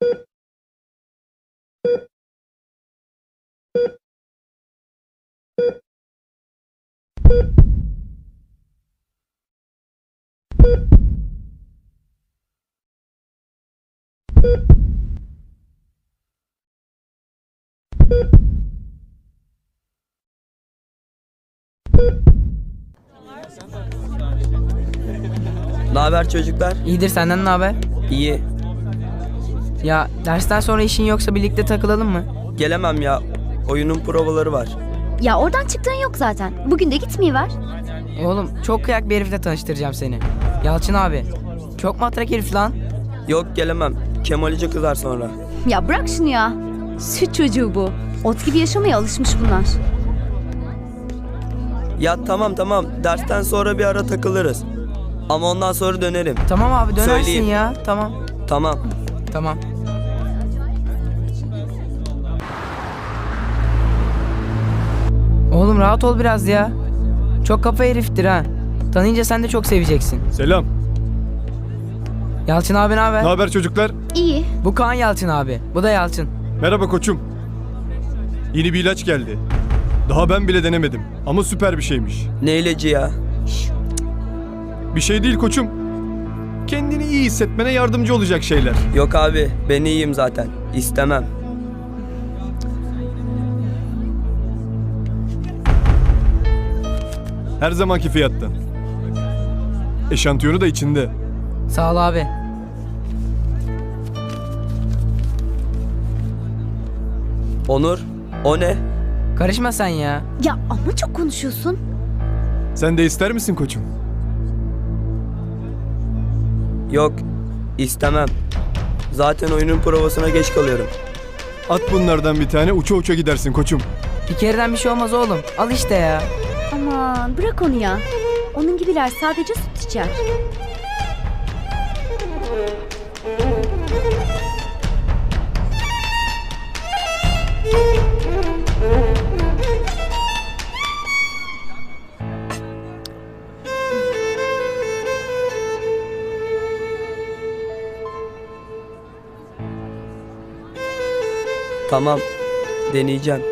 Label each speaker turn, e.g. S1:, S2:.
S1: Naber çocuklar?
S2: İyidir, senden ne haber?
S1: İyi.
S2: Ya dersten sonra işin yoksa birlikte takılalım mı?
S1: Gelemem ya. Oyunun provaları var.
S3: Ya oradan çıktığın yok zaten. Bugün de gitmeyiver.
S2: Oğlum çok kıyak bir herifle tanıştıracağım seni. Yalçın abi. Çok matrak herif lan.
S1: Yok gelemem. Kemal'ice kızar sonra.
S3: Ya bırak şunu ya. Süt çocuğu bu. Ot gibi yaşamaya alışmış bunlar.
S1: Ya tamam. Dersten sonra bir ara takılırız. Ama ondan sonra dönerim.
S2: Tamam abi, dönersin
S1: Söyleyeyim.
S2: ya. Tamam.
S1: Tamam.
S2: Oğlum rahat ol biraz ya. Çok kafa heriftir ha. Tanıyınca sen de çok seveceksin.
S4: Selam.
S2: Yalçın abi ne haber?
S4: Ne haber çocuklar?
S3: İyi.
S2: Bu Kaan Yalçın abi. Bu da Yalçın.
S4: Merhaba koçum. Yeni bir ilaç geldi. Daha ben bile denemedim ama süper bir şeymiş.
S1: Ne ilacı ya?
S4: Bir şey değil koçum. Kendini iyi hissetmene yardımcı olacak şeyler.
S1: Yok abi, ben iyiyim zaten. İstemem.
S4: Her zamanki fiyattan. Eşantiyonu da içinde.
S2: Sağ ol abi.
S1: Onur, o ne?
S2: Karışma sen ya.
S3: Ya ama çok konuşuyorsun.
S4: Sen de ister misin koçum?
S1: Yok, istemem. Zaten oyunun provasına geç kalıyorum.
S4: At bunlardan bir tane, uça uça gidersin koçum.
S2: Bir kereden bir şey olmaz oğlum. Al işte ya.
S3: Aman bırak onu ya. Onun gibiler sadece süt içer.
S1: Tamam, deneyeceğim.